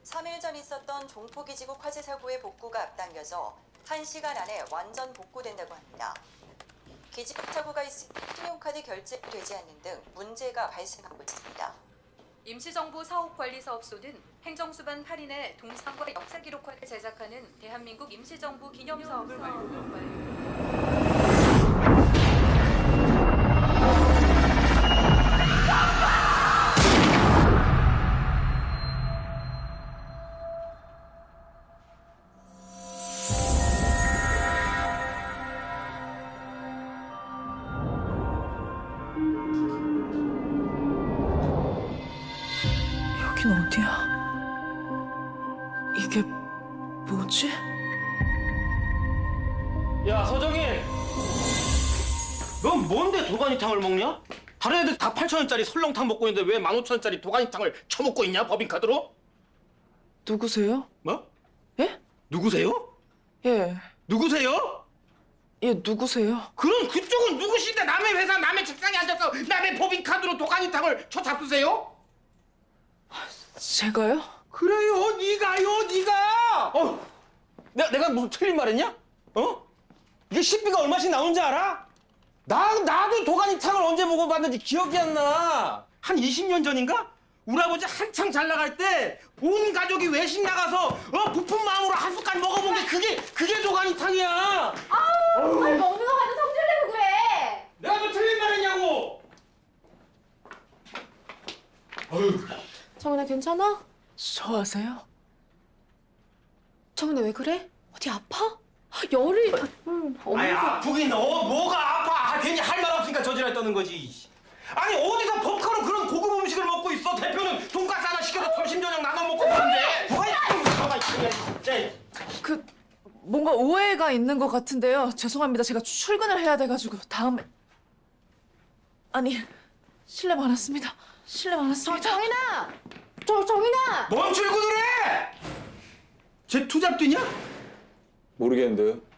3일 전 있었던 종포기지국 화재 사고의 복구가 앞당겨져 1시간 안에 완전 복구된다고 합니다. 기지국 사고가 있을 때 신용카드 결제되지 않는 등 문제가 발생하고 있습니다. 임시정부 사업관리사업소는 행정수반 8인의 동상과 역사기록화를 제작하는 대한민국 임시정부 기념사업을 완료. 여긴 어디야? 이게 뭐지? 야, 서정인! 넌 뭔데 도가니탕을 먹냐? 다른 애들 다 8,000원짜리 설렁탕 먹고 있는데 왜 15,000원짜리 도가니탕을 처먹고 있냐, 법인카드로? 누구세요? 뭐? 예? 누구세요? 예. 누구세요? 예, 누구세요? 그럼 그쪽은 누구신데 남의 회사 남의 책상에 앉아서 남의 법인카드로 도가니탕을 쳐잡수세요? 제가요? 그래요, 네가! 내가 무슨 틀린 말 했냐? 어? 이게 식비가 얼마씩 나오는지 알아? 나도 도가니탕을 언제 먹어봤는지 기억이 안 나. 한 20년 전인가? 우리 아버지 한창 잘 나갈 때 온 가족이 외식 나가서 부푼 마음으로 한 숟갈 먹어본 게 그게 도가니탕이야. 아우, 먹는 거 가지고 성질 내고 그래. 내가 뭐 틀린 말 했냐고. 정은아 괜찮아? 저 아세요? 정은아 왜 그래? 어디 아파? 열이. 아니 아프긴 뭐가 아파. 괜히 할 말 없으니까 저지랄 떠는 거지. 아니 어디서 법카로 그런 고급 음식을 먹고 있어. 대표는 돈가스 하나 시켜서 점심 저녁 나눠 먹고 가는데. 그 뭔가 오해가 있는 것 같은데요. 죄송합니다. 제가 출근을 해야 돼가지고 다음에. 아니, 실례 많았습니다. 실례 많았습니다. 정인아! 정인아! 뭔 출근을 해? 쟤 투잡 뛰냐? 모르겠는데요.